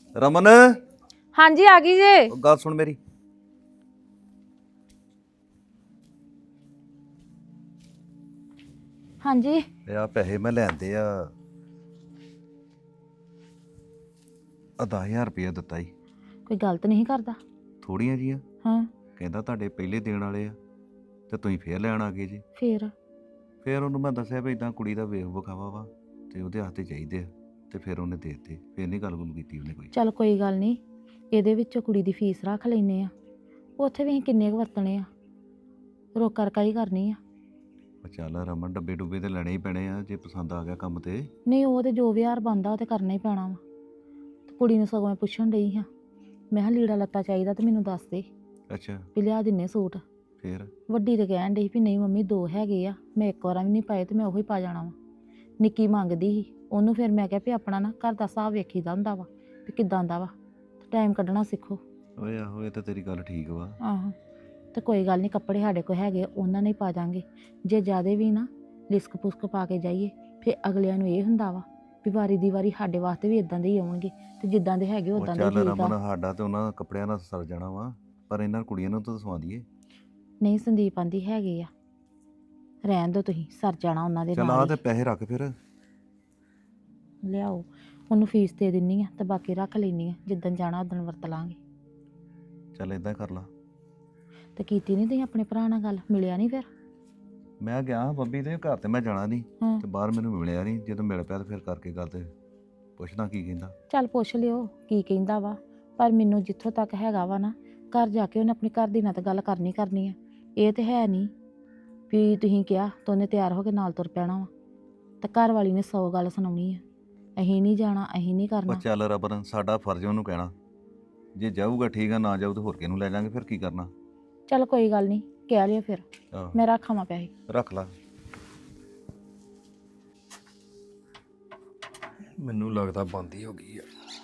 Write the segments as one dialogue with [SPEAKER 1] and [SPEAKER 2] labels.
[SPEAKER 1] ਰਮਨ
[SPEAKER 2] ਹਾਂਜੀ ਆ ਗਈ ਜੇ।
[SPEAKER 1] ਉਹ ਗੱਲ ਸੁਣ ਮੇਰੀ।
[SPEAKER 2] ਹਾਂਜੀ
[SPEAKER 1] ਇਹ ਆ ਪੈਸੇ ਮੈਂ ਲੈਂਦੇ ਆ 10,000 ਰੁਪਇਆ ਦਿੱਤਾ ਹੀ।
[SPEAKER 2] ਕੋਈ ਗਲਤ ਨਹੀਂ ਕਰਦਾ।
[SPEAKER 1] ਥੋੜੀਆਂ ਜੀਆਂ।
[SPEAKER 2] ਹਾਂ
[SPEAKER 1] ਕਹਿੰਦਾ ਤੁਹਾਡੇ ਪਹਿਲੇ ਦੇਣ ਵਾਲੇ ਆ ਤੇ ਤੁਸੀਂ ਫੇਰ ਲੈਣ ਆ ਗਏ ਜੀ।
[SPEAKER 2] ਫੇਰ
[SPEAKER 1] ਉਹਨੂੰ ਮੈਂ ਦੱਸਿਆ ਵੀ ਇਦਾਂ ਕੁੜੀ ਦਾ ਵੇਖ ਵਿਖਾਵਾ ਵਾ ਤੇ ਉਹਦੇ ਹੱਥ 'ਤੇ ਚਾਹੀਦੇ ਆ ਤੇ ਫਿਰ ਉਹਨੇ ਦੇ ਦਿੱਤੇ। ਫੇਰ ਨਹੀਂ ਗੱਲ ਕੀਤੀ ਉਹਨੇ ਕੋਈ।
[SPEAKER 2] ਚੱਲ ਕੋਈ ਗੱਲ ਨਹੀਂ, ਇਹਦੇ ਵਿੱਚੋਂ ਕੁੜੀ ਦੀ ਫੀਸ ਰੱਖ ਲੈਨੇ ਆ। ਉੱਥੇ ਵੀ ਅਸੀਂ ਕਿੰਨੇ ਕੁ ਵਰਤਣੇ ਆ, ਰੋਕ ਕਰਕਾ ਹੀ ਕਰਨੀ ਆ।
[SPEAKER 1] ਉਹ ਚੱਲ ਰਮਨ ਡੱਬੇ ਡੁੱਬੇ ਤੇ ਲੈਣੇ ਹੀ ਪੈਣੇ ਆ ਜੇ ਪਸੰਦ ਆ ਗਿਆ ਕੰਮ ਤੇ।
[SPEAKER 2] ਨਹੀਂ ਉਹ ਤੇ ਜੋ ਵਿਹਾਰ ਬਣਦਾ ਉਹ ਤੇ ਕਰਨਾ ਹੀ ਪੈਣਾ ਵਾ। ਤੇ ਕੁੜੀ ਨੂੰ ਸਗੋਂ ਮੈਂ ਪੁੱਛਣ ਡਈ ਹਾਂ, ਮੈਂ ਕਿਹਾ ਲੀੜਾ ਲੱਤਾ ਚਾਹੀਦਾ ਤੇ ਮੈਨੂੰ ਦੱਸ ਦੇ
[SPEAKER 1] ਅੱਛਾ
[SPEAKER 2] ਵੀ ਲਿਆ ਦਿੰਨੇ ਸੂਟ।
[SPEAKER 1] ਫੇਰ
[SPEAKER 2] ਵੱਡੀ ਤੇ ਕਹਿਣ ਡਈ ਵੀ ਨਹੀਂ ਮੰਮੀ 2 ਹੈਗੇ ਆ, ਮੈਂ ਇੱਕ ਵਾਰਾਂ ਵੀ ਨਹੀਂ ਪਾਏ ਤੇ ਮੈਂ ਉਹੀ ਪਾ ਜਾਣਾ ਵਾ। ਨਿੱਕੀ ਮੰਗਦੀ ਸੀ ਉਹਨੂੰ, ਫਿਰ ਮੈਂ ਕਿਹਾ ਵੀ ਆਪਣਾ ਨਾ ਘਰ ਦਾ ਹਿਸਾਬ ਵੇਖੀਦਾ ਹੁੰਦਾ ਵਾ ਵੀ ਕਿੱਦਾਂ ਦਾ ਵਾ, ਟਾਈਮ ਕੱਢਣਾ ਸਿੱਖੋ।
[SPEAKER 1] ਓਏ ਆਹੋ ਇਹ ਤਾਂ ਤੇਰੀ ਗੱਲ ਠੀਕ ਵਾ।
[SPEAKER 2] ਆਹੋ ਤੇ ਕੋਈ ਗੱਲ ਨਹੀਂ, ਕੱਪੜੇ ਸਾਡੇ ਕੋਲ ਹੈਗੇ ਉਹਨਾਂ ਨੇ ਹੀ ਪਾ ਜਾਾਂਗੇ। ਜੇ ਜ਼ਿਆਦੇ ਵੀ ਨਾ ਲਿਸਕ ਪੁਸਕ ਪਾ ਕੇ ਜਾਈਏ ਫਿਰ ਅਗਲਿਆਂ ਨੂੰ ਇਹ ਹੁੰਦਾ ਵਾ ਵੀ ਵਾਰੀ ਦੀ ਵਾਰੀ ਸਾਡੇ ਵਾਸਤੇ ਵੀ ਇਦਾਂ ਦੇ ਹੀ ਆਉਣਗੇ ਤੇ ਜਿੱਦਾਂ ਦੇ ਹੈਗੇ
[SPEAKER 1] ਉਹ
[SPEAKER 2] ਉਦਾਂ ਦੇ
[SPEAKER 1] ਚੱਲ
[SPEAKER 2] ਠੀਕ
[SPEAKER 1] ਰਮਨ
[SPEAKER 2] ਆ।
[SPEAKER 1] ਸਾਡਾ ਤੇ ਉਹਨਾਂ ਕੱਪੜਿਆਂ ਨਾਲ ਸਰ ਜਾਣਾ ਵਾ, ਪਰ ਇਹਨਾਂ ਕੁੜੀਆਂ ਨੂੰ ਤਾਂ ਸਵਾ ਦਈਏ।
[SPEAKER 2] ਨਹੀਂ ਸੰਦੀਪ ਆਂਦੀ ਹੈਗੇ ਆ, ਰਹਿਣ ਦਿਓ ਤੁਸੀਂ, ਸਰ ਜਾਣਾ ਉਹਨਾਂ ਦੇ
[SPEAKER 1] ਚੱਲ ਆ
[SPEAKER 2] ਨਾਲ
[SPEAKER 1] ਤੇ
[SPEAKER 2] ਹੀ।
[SPEAKER 1] ਪੈਸੇ ਰੱਖ ਫਿਰ।
[SPEAKER 2] ਲਿਆਓ ਉਹਨੂੰ ਫੀਸ ਦੇ ਦਿੰਨੀ ਆ ਤੇ ਬਾਕੀ ਰੱਖ ਲੈਣੀ ਆ, ਜਿੱਦਣ ਜਾਣਾ ਉਦਣ ਵਰਤ ਲਾਂਗੇ।
[SPEAKER 1] ਚੱਲ ਇਦਾਂ ਕਰ ਲਾ।
[SPEAKER 2] ਤੇ ਕੀਤੀ ਨਹੀਂ ਤੁਸੀਂ ਆਪਣੇ ਭਰਾ ਨਾਲ ਗੱਲ, ਮਿਲਿਆ ਨਹੀਂ ਫਿਰ?
[SPEAKER 1] ਮੈਂ ਗਿਆ ਬੰਬੀ ਦੇ ਘਰ ਤੇ ਮੈਂ ਜਾਣਾ ਨਹੀਂ
[SPEAKER 2] ਹਾਂ
[SPEAKER 1] ਤੇ ਬਾਹਰ ਮੈਨੂੰ ਮਿਲਿਆ ਨਹੀਂ। ਜਦੋਂ ਮਿਲ ਪਿਆ ਤੇ ਫਿਰ ਕਰਕੇ ਗੱਲ ਤੇ ਪੁੱਛਦਾ ਕੀ ਕਹਿੰਦਾ।
[SPEAKER 2] ਚੱਲ ਪੁੱਛ ਲਿਓ ਕੀ ਕਹਿੰਦਾ ਵਾ, ਪਰ ਮੈਨੂੰ ਜਿੱਥੋਂ ਤੱਕ ਹੈਗਾ ਵਾ ਨਾ, ਘਰ ਜਾ ਕੇ ਉਹਨੇ ਆਪਣੀ ਘਰ ਦੀ ਨਾਲ ਤਾਂ ਗੱਲ ਕਰਨੀ ਆ। ਇਹ ਤੇ ਹੈ ਨਹੀਂ ਵੀ ਤੁਸੀਂ ਕਿਹਾ ਤਾਂ ਉਹਨੇ ਤਿਆਰ ਹੋ ਕੇ ਨਾਲ ਤੁਰ ਪੈਣਾ ਵਾ, ਤੇ ਘਰ ਵਾਲੀ ਨੇ 100 ਗੱਲ ਸੁਣਾਉਣੀ ਆ। ਅਸੀਂ ਨਹੀਂ ਜਾਣਾ, ਅਸੀਂ ਨਹੀਂ
[SPEAKER 1] ਉਹ
[SPEAKER 2] ਕਰਨਾ।
[SPEAKER 1] ਚੱਲ ਰਬਨ ਸਾਡਾ ਫਰਜ਼ ਉਹਨੂੰ ਕਹਿਣਾ, ਜੇ ਜਾਊਗਾ ਠੀਕ ਆ, ਨਾ ਜਾਊ ਤਾਂ ਹੋਰ ਕਿਹਨੂੰ ਲੈ ਜਾਾਂਗੇ, ਫਿਰ ਕੀ ਕਰਨਾ।
[SPEAKER 2] ਚੱਲ ਕੋਈ ਗੱਲ ਨਹੀਂ, ਕਹਿ ਲਿਓ ਫਿਰ,
[SPEAKER 1] ਆਹੋ
[SPEAKER 2] ਮੈਂ ਰੱਖਾਂ ਪੈਸੇ।
[SPEAKER 1] ਰੱਖ ਲਾ।
[SPEAKER 3] ਮੈਨੂੰ ਲੱਗਦਾ ਬੰਦ ਹੀ ਹੋ ਗਈ ਆ,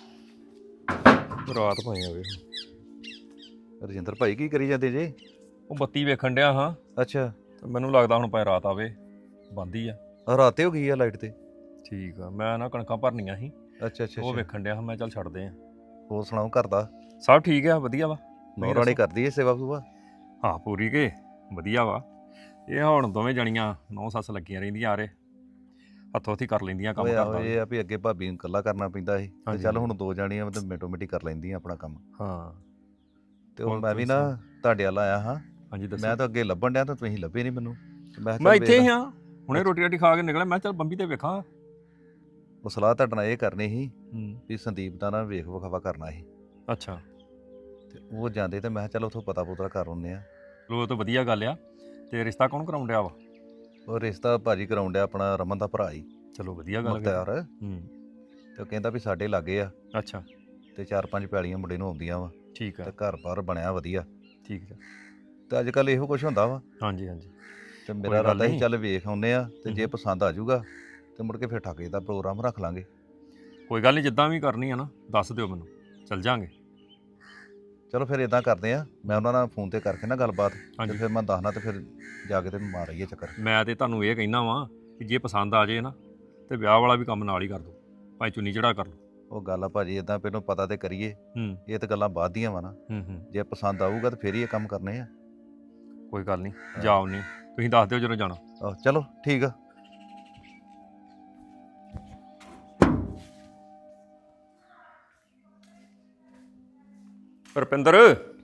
[SPEAKER 3] ਰਾਤ ਪਈ ਆਵੇ।
[SPEAKER 1] ਰਜਿੰਦਰ ਭਾਈ ਕੀ ਕਰੀ ਜਾਂਦੇ ਜੇ?
[SPEAKER 3] ਉਹ ਬੱਤੀ ਵੇਖਣ ਡਿਆ ਹਾਂ
[SPEAKER 1] ਅੱਛਾ
[SPEAKER 3] ਤੇ ਮੈਨੂੰ ਲੱਗਦਾ ਹੁਣ ਭਾਵੇਂ ਰਾਤ ਆਵੇ, ਬੰਦ ਹੀ ਆ।
[SPEAKER 1] ਰਾਤੇ ਹੋ ਗਈ ਆ ਲਾਈਟ ਤੇ।
[SPEAKER 3] ਠੀਕ ਆ, ਮੈਂ ਨਾ ਕਣਕਾਂ ਭਰਨੀਆਂ ਸੀ,
[SPEAKER 1] ਅੱਛਾ ਅੱਛਾ
[SPEAKER 3] ਉਹ
[SPEAKER 1] ਅੱਛਾ।
[SPEAKER 3] ਵੇਖਣ ਡਿਆ ਹਾਂ ਮੈਂ, ਚੱਲ ਛੱਡਦੇ ਆ।
[SPEAKER 1] ਹੋਰ ਸੁਣਾਓ ਘਰ ਦਾ?
[SPEAKER 3] ਸਭ ਠੀਕ ਆ, ਵਧੀਆ ਵਾ।
[SPEAKER 1] ਨੌ ਰਾਣੀ ਕਰਦੀ ਏ ਸੇਵਾ ਸੁਵਾ?
[SPEAKER 3] ਹਾਂ ਪੂਰੀ ਕੇ ਵਧੀਆ ਵਾ। ਇਹ ਹੁਣ ਦੋਵੇਂ ਜਣੀਆਂ 9 ਸੱਸ ਲੱਗੀਆਂ ਰਹਿੰਦੀਆਂ, ਆਰੇ ਹੱਥੋਂ ਹੱਥੀ ਕਰ ਲੈਂਦੀਆਂ ਕੰਮ
[SPEAKER 1] ਓਏ ਆਹੋ
[SPEAKER 3] ਕਰਦਾ।
[SPEAKER 1] ਇਹ ਆ ਵੀ ਅੱਗੇ ਭਾਬੀ ਨੂੰ ਇਕੱਲਾ ਕਰਨਾ ਪੈਂਦਾ ਸੀ ਤੇ
[SPEAKER 3] ਹਾਂਜੀ,
[SPEAKER 1] ਚੱਲ
[SPEAKER 3] ਹਾਂਜੀ।
[SPEAKER 1] ਹੁਣ 2 ਜਾਣੀਆਂ ਤੇ ਮਿੰਟੋ ਮਿੰਟੀ ਕਰ ਲੈਂਦੀਆਂ ਆਪਣਾ ਕੰਮ।
[SPEAKER 3] ਹਾਂ
[SPEAKER 1] ਤੇ ਉਹ
[SPEAKER 3] ਹੋਰ
[SPEAKER 1] ਮੈਂ ਵੀ
[SPEAKER 3] ਤੁਸੀਂ
[SPEAKER 1] ਨਾ ਤੁਹਾਡੇ ਵੱਲ ਆਇਆ ਹਾਂ।
[SPEAKER 3] ਹਾਂਜੀ ਦੱਸੋ।
[SPEAKER 1] ਮੈਂ ਤਾਂ ਅੱਗੇ ਲੱਭਣ ਡਿਆ ਤਾਂ ਤੁਸੀਂ ਲੱਭੇ ਨਹੀਂ ਮੈਨੂੰ ਤੇ ਮੈਂ ਕਿਹਾ
[SPEAKER 3] ਮੈਂ
[SPEAKER 1] ਚੱਲ
[SPEAKER 3] ਇੱਥੇ ਹੀ
[SPEAKER 1] ਵੇਖ।
[SPEAKER 3] ਹਾਂ, ਹੁਣੇ ਰੋਟੀ ਰਾਟੀ ਖਾ ਕੇ ਨਿਕਲਿਆ, ਮੈਂ ਚੱਲ ਬੰਬੀ ਤੇ ਵੇਖਾਂ।
[SPEAKER 1] ਉਹ ਸਲਾਹ ਤੁਹਾਡੇ ਨਾਲ ਇਹ ਕਰਨੀ ਸੀ
[SPEAKER 3] ਹੂੰ
[SPEAKER 1] ਵੀ ਸੰਦੀਪ ਦਾ ਨਾ ਵੇਖ ਵਿਖਾਵਾ ਕਰਨਾ ਸੀ
[SPEAKER 3] ਅੱਛਾ,
[SPEAKER 1] ਤੇ ਉਹ ਜਾਂਦੇ ਤੇ ਮੈਂ ਕਿਹਾ ਚੱਲ ਉੱਥੋਂ ਪਤਾ ਪੁੱਤਰਾ ਕਰ ਆਉਂਦੇ ਆ।
[SPEAKER 3] ਉਹ ਤਾਂ ਵਧੀਆ ਗੱਲ ਆ। ਤੇ ਰਿਸ਼ਤਾ ਕੌਣ ਕਰਾਉਣ ਡਿਆ ਵਾ?
[SPEAKER 1] ਉਹ ਰਿਸ਼ਤਾ ਭਾਜੀ ਕਰਾਉਣ ਡਿਆ ਆਪਣਾ ਰਮਨ ਦਾ ਭਰਾ ਹੀ
[SPEAKER 3] ਚਲੋ ਵਧੀਆ ਗੱਲ ਫਿਰ।
[SPEAKER 1] ਮੁਖਤਿਆਰ।
[SPEAKER 3] ਹੂੰ
[SPEAKER 1] ਤੇ ਉਹ ਕਹਿੰਦਾ ਵੀ ਸਾਡੇ ਲਾਗੇ ਆ
[SPEAKER 3] ਅੱਛਾ
[SPEAKER 1] ਤੇ 4-5 ਪੈਲੀਆਂ ਮੁੰਡੇ ਨੂੰ ਆਉਂਦੀਆਂ ਵਾ
[SPEAKER 3] ਠੀਕ
[SPEAKER 1] ਤੇ
[SPEAKER 3] ਆ,
[SPEAKER 1] ਘਰ ਬਾਰ ਬਣਿਆ ਵਧੀਆ।
[SPEAKER 3] ਠੀਕ ਆ।
[SPEAKER 1] ਤੇ ਅੱਜ ਕੱਲ ਇਹੋ ਕੁਝ ਹੁੰਦਾ ਵਾ
[SPEAKER 3] ਹਾਂਜੀ ਹਾਂਜੀ
[SPEAKER 1] ਤੇ
[SPEAKER 3] ਕੋਈ
[SPEAKER 1] ਮੇਰਾ
[SPEAKER 3] ਗੱਲ
[SPEAKER 1] ਇਰਾਦਾ ਸੀ
[SPEAKER 3] ਨਹੀਂ।
[SPEAKER 1] ਚੱਲ ਵੇਖ ਆਉਂਦੇ ਆ ਤੇ ਜੇ
[SPEAKER 3] ਹੂੰ।
[SPEAKER 1] ਪਸੰਦ ਆ ਜਾਊਗਾ ਤੇ ਮੁੜ ਕੇ ਫਿਰ ਠਾਕੇ ਦਾ ਪ੍ਰੋਗਰਾਮ ਰੱਖ ਲਾਂਗੇ।
[SPEAKER 3] ਕੋਈ ਗੱਲ ਨਹੀਂ, ਜਿੱਦਾਂ ਵੀ ਕਰਨੀ ਆ ਨਾ ਦੱਸ ਦਿਓ ਮੈਨੂੰ, ਚੱਲ ਜਾਾਂਗੇ।
[SPEAKER 1] ਚਲੋ ਫਿਰ ਇਦਾਂ ਕਰਦੇ ਆ, ਮੈਂ ਉਹਨਾਂ ਨਾਲ ਫੋਨ ਤੇ ਕਰਕੇ ਨਾ ਗੱਲਬਾਤ ਤੇ
[SPEAKER 3] ਹਾਂਜੀ।
[SPEAKER 1] ਫਿਰ ਮੈਂ ਦੱਸਣਾ ਤੇ ਫਿਰ ਜਾ ਕੇ ਤੇ ਮਾਰ ਆਈਏ ਚੱਕਰ।
[SPEAKER 3] ਮੈਂ ਤੇ ਤੁਹਾਨੂੰ ਇਹ ਕਹਿਣਾ ਵਾਂ ਕਿ ਜੇ ਪਸੰਦ ਆ ਜੇ ਨਾ ਤੇ ਵਿਆਹ ਵਾਲਾ ਵੀ ਕੰਮ ਨਾਲ ਹੀ ਕਰ ਦਿਓ, ਭਾਵੇਂ ਚੁੰਨੀ ਚੜਾ ਕਰ ਲਓ।
[SPEAKER 1] ਉਹ ਗੱਲ ਆ ਭਾਜੀ ਇਦਾਂ ਪਹਿਲਾਂ ਪਤਾ ਤੇ ਕਰੀਏ,
[SPEAKER 3] ਹੂੰ
[SPEAKER 1] ਇਹ ਤਾਂ ਗੱਲਾਂ ਬਾਅਦ ਦੀਆਂ ਵਾ ਨਾ।
[SPEAKER 3] ਹੂੰ
[SPEAKER 1] ਜੇ ਪਸੰਦ ਆਊਗਾ ਤੇ ਫਿਰ ਹੀ ਇਹ ਕੰਮ ਕਰਨੇ ਆ।
[SPEAKER 3] ਕੋਈ ਗੱਲ ਨਹੀਂ, ਜਾਓ ਨਹੀਂ, ਤੁਸੀਂ ਦੱਸ ਦਿਓ ਜਦੋਂ ਜਾਣਾ।
[SPEAKER 1] ਆਹੋ ਚਲੋ ਠੀਕ ਆ।
[SPEAKER 3] ਰੁਪਿੰਦਰ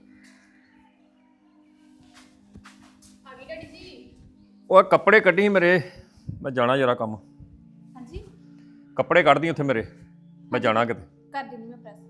[SPEAKER 3] ਉਹ ਕੱਪੜੇ ਕੱਢੀ ਮੇਰੇ, ਮੈਂ ਜਾਣਾ ਜਰਾ ਕੰਮ।
[SPEAKER 4] ਹਾਂਜੀ
[SPEAKER 3] ਕੱਪੜੇ ਕੱਢਦੀ ਉੱਥੇ ਮੇਰੇ, ਮੈਂ ਜਾਣਾ ਕਿਤੇ।
[SPEAKER 4] ਕਰ ਦਿੰਦੀ ਮੈਂ ਪ੍ਰੈਸ।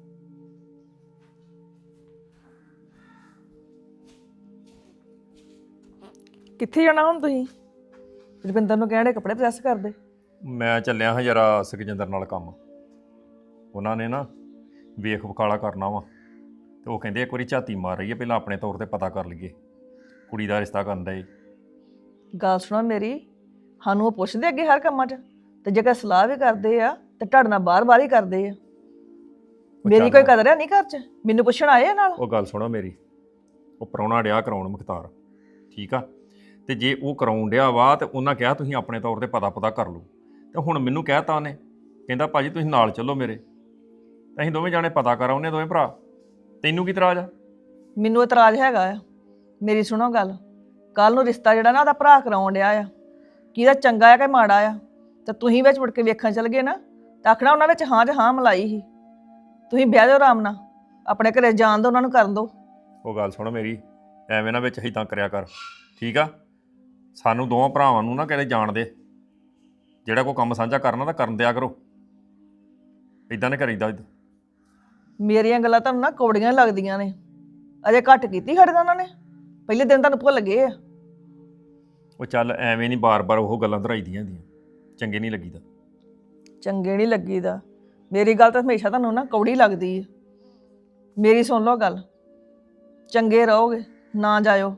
[SPEAKER 5] ਕਿੱਥੇ ਜਾਣਾ ਹੁਣ ਤੁਸੀਂ? ਰੁਪਿੰਦਰ ਨੂੰ ਕਹਿਣੇ ਕੱਪੜੇ ਪ੍ਰੈਸ ਕਰ ਦੇ।
[SPEAKER 3] ਮੈਂ ਚੱਲਿਆ ਹਾਂ ਜਰਾ ਸੁਖਜਿੰਦਰ ਨਾਲ ਕੰਮ, ਉਹਨਾਂ ਨੇ ਨਾ ਵੇਖ ਵਿਖਾਲਾ ਕਰਨਾ ਵਾ ਤੇ ਉਹ ਕਹਿੰਦੇ ਇੱਕ ਵਾਰੀ ਝਾਤੀ ਮਾਰ ਰਹੀ ਹੈ, ਪਹਿਲਾਂ ਆਪਣੇ ਤੌਰ ਤੇ ਪਤਾ ਕਰ ਲਈਏ, ਕੁੜੀ ਦਾ ਰਿਸ਼ਤਾ ਕਰਨ ਦਾ।
[SPEAKER 5] ਗੱਲ ਸੁਣੋ ਮੇਰੀ, ਸਾਨੂੰ ਉਹ ਪੁੱਛਦੇ ਅੱਗੇ ਹਰ ਕੰਮਾਂ 'ਚ, ਤੇ ਜੇਕਰ ਸਲਾਹ ਵੀ ਕਰਦੇ ਆ ਤੇ ਤੁਹਾਡੇ ਨਾਲ ਬਾਰ-ਬਾਰ ਹੀ ਕਰਦੇ ਆ। ਮੇਰੀ ਕੋਈ ਕਦਰ ਹੈ ਨਹੀਂ ਘਰ 'ਚ? ਮੈਨੂੰ ਪੁੱਛਣ ਆਏ ਆ ਨਾਲ?
[SPEAKER 3] ਉਹ ਗੱਲ ਸੁਣੋ ਮੇਰੀ, ਉਹ ਪ੍ਰਾਹੁਣਾ ਡਿਆ ਕਰਾਉਣ ਮੁਖਤਾਰ, ਠੀਕ ਆ, ਤੇ ਜੇ ਉਹ ਕਰਾਉਣ ਡਿਆ ਵਾ ਤੇ ਉਹਨਾਂ ਕਿਹਾ ਤੁਸੀਂ ਆਪਣੇ ਤੌਰ ਤੇ ਪਤਾ ਕਰ ਲਓ, ਤੇ ਹੁਣ ਮੈਨੂੰ ਕਹਿਤਾ ਉਹਨੇ, ਕਹਿੰਦਾ ਭਾਜੀ ਤੁਸੀਂ ਨਾਲ ਚੱਲੋ ਮੇਰੇ। ਅਸੀਂ ਦੋਵੇਂ ਜਾਣੇ ਪਤਾ ਕਰਾਉਨੇ ਦੋਵੇਂ ਭਰਾ। ਤੈਨੂੰ ਕੀ ਇਤਰਾਜ਼ ਆ?
[SPEAKER 5] ਮੈਨੂੰ ਇਤਰਾਜ਼ ਹੈਗਾ ਆ। ਮੇਰੀ ਸੁਣੋ ਗੱਲ, ਕੱਲ ਨੂੰ ਰਿਸ਼ਤਾ ਜਿਹੜਾ ਨਾ ਉਹਦਾ ਭਰਾ ਕਰਾਉਣ ਡਿਆ ਆ, ਕਿਹਦਾ ਚੰਗਾ ਆ ਕਿ ਮਾੜਾ ਆ, ਤੇ ਤੁਸੀਂ ਵਿੱਚ ਮੁੜ ਕੇ ਵੇਖਣ ਚਲ ਗਏ ਨਾ ਤਾਂ ਆਖਣਾ ਉਹਨਾਂ ਵਿੱਚ ਹਾਂ 'ਚ ਹਾਂ ਮਲਾਈ ਸੀ। ਤੁਸੀਂ ਬਹਿ ਜਾਓ ਆਰਾਮ ਨਾਲ, ਆਪਣੇ ਘਰੇ ਜਾਣ ਦਿਓ, ਉਹਨਾਂ ਨੂੰ ਕਰਨ ਦਿਓ।
[SPEAKER 3] ਉਹ ਗੱਲ ਸੁਣ ਮੇਰੀ, ਐਵੇਂ ਨਾ ਵਿੱਚ ਹਿੱਦਾਂ ਕਰਿਆ ਕਰ, ਠੀਕ ਆ? ਸਾਨੂੰ ਦੋਵਾਂ ਭਰਾਵਾਂ ਨੂੰ ਨਾ ਕਿਤੇ ਜਾਣ ਦੇ। ਜਿਹੜਾ ਕੋਈ ਕੰਮ ਸਾਂਝਾ ਕਰਨਾ ਤਾਂ ਕਰਨ ਦਿਆ ਕਰੋ, ਇਦਾਂ ਨਹੀਂ ਕਰੀਦਾ।
[SPEAKER 5] ਮੇਰੀਆਂ ਗੱਲਾਂ ਤੁਹਾਨੂੰ ਨਾ ਕੌੜੀਆਂ ਹੀ ਲੱਗਦੀਆਂ ਨੇ। ਅਜੇ ਘੱਟ ਕੀਤੀ ਸਾਡੇ ਨਾਲ ਉਹਨਾਂ ਨੇ, ਪਹਿਲੇ ਦਿਨ ਤੁਹਾਨੂੰ ਭੁੱਲ ਗਏ ਆ।
[SPEAKER 3] ਉਹ ਚੱਲ ਐਵੇਂ ਨਹੀਂ ਬਾਰ-ਬਾਰ ਉਹ ਗੱਲਾਂ ਦੁਹਰਾਈਦੀਆਂ ਹੁੰਦੀਆਂ, ਚੰਗੇ ਨਹੀਂ ਲੱਗੀਦਾ।
[SPEAKER 5] ਚੰਗੇ ਨਹੀਂ ਲੱਗੀਦਾ। ਮੇਰੀ ਗੱਲ ਤਾਂ ਹਮੇਸ਼ਾ ਤੁਹਾਨੂੰ ਨਾ ਕੌੜੀ ਲੱਗਦੀ ਹੈ। ਮੇਰੀ ਸੁਣ ਲਓ ਗੱਲ, ਚੰਗੇ ਰਹੋਗੇ ਨਾ ਜਾਇਓ।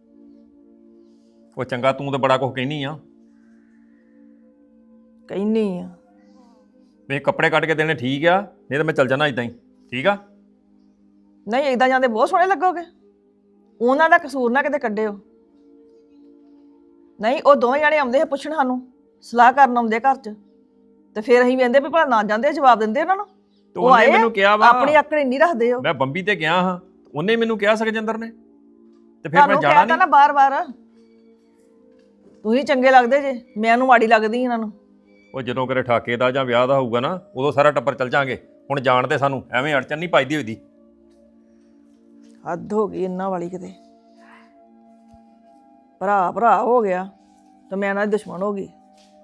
[SPEAKER 3] ਉਹ ਚੰਗਾ ਤੂੰ ਤਾਂ ਬੜਾ ਕੁਝ ਕਹਿਨੀ ਆ।
[SPEAKER 5] ਕਹਿੰਨੀ ਆ
[SPEAKER 3] ਵੀ ਕੱਪੜੇ ਕੱਢ ਕੇ ਦੇਣੇ ਠੀਕ ਆ, ਨਹੀਂ ਤਾਂ ਮੈਂ ਚੱਲ ਜਾਣਾ ਇਦਾਂ ਹੀ, ਠੀਕ ਆ?
[SPEAKER 5] ਨਹੀਂ, ਏਦਾਂ ਜਾਂਦੇ ਬਹੁਤ ਸੋਹਣੇ ਲੱਗੋਗੇ। ਉਹਨਾਂ ਦਾ ਕਸੂਰ ਨਾ ਕਿਤੇ ਕੱਢਿਓ। ਨਹੀਂ, ਉਹ ਦੋਵੇਂ ਜਾਣੇ ਆਉਂਦੇ ਆ ਪੁੱਛਣ, ਸਾਨੂੰ ਸਲਾਹ ਕਰਨ ਆਉਂਦੇ ਘਰ 'ਚ, ਤੇ ਫਿਰ ਅਸੀਂ ਕਹਿੰਦੇ ਵੀ ਭਲਾ ਨਾ ਜਾਂਦੇ, ਜਵਾਬ ਦਿੰਦੇ ਉਹਨਾਂ ਨੂੰ।
[SPEAKER 3] ਤੇ
[SPEAKER 5] ਉਹ
[SPEAKER 3] ਉਹਨੇ
[SPEAKER 5] ਆਏ
[SPEAKER 3] ਮੈਨੂੰ ਕਿਹਾ ਵਾ,
[SPEAKER 5] ਆਪਣੀ ਆਕੜ ਨਹੀਂ ਰੱਖਦੇ ਹੋ।
[SPEAKER 3] ਮੈਂ ਬੰਬੀ ਤੇ ਗਿਆ ਹਾਂ, ਉਹਨੇ ਮੈਨੂੰ ਕਿਹਾ ਸੁਖਜਿੰਦਰ ਨੇ, ਤੇ ਫਿਰ
[SPEAKER 5] ਤੁਹਾਨੂੰ
[SPEAKER 3] ਮੈਂ ਜਾਣਾ
[SPEAKER 5] ਕਹਿਤਾ ਨਾ
[SPEAKER 3] ਨਹੀਂ।
[SPEAKER 5] ਬਾਰ-ਬਾਰ, ਤੁਸੀਂ ਚੰਗੇ ਲੱਗਦੇ ਜੇ, ਮੈਨੂੰ ਮਾੜੀ ਲੱਗਦੀ ਇਹਨਾਂ ਨੂੰ।
[SPEAKER 3] ਉਹ ਜਦੋਂ ਕਰੇ ਠਾਕੇ ਦਾ ਜਾਂ ਵਿਆਹ ਦਾ ਹੋਊਗਾ ਨਾ, ਉਦੋਂ ਸਾਰਾ ਟੱਬਰ ਚੱਲ ਜਾਾਂਗੇ। ਹੁਣ ਜਾਣ ਤੇ ਸਾਨੂੰ ਐਵੇਂ ਅੜਚਨ ਨਹੀਂ ਪਾਈਦੀ ਹੋਈਦੀ।
[SPEAKER 5] ਹੱਦ ਹੋ ਗਈ ਇਹਨਾਂ ਵਾਲੀ ਕਿਤੇ। ਭਰਾ ਹੋ ਗਿਆ ਤੇ ਮੈਂ ਇਹਨਾਂ ਦੀ ਦੁਸ਼ਮਣ ਹੋ ਗਈ।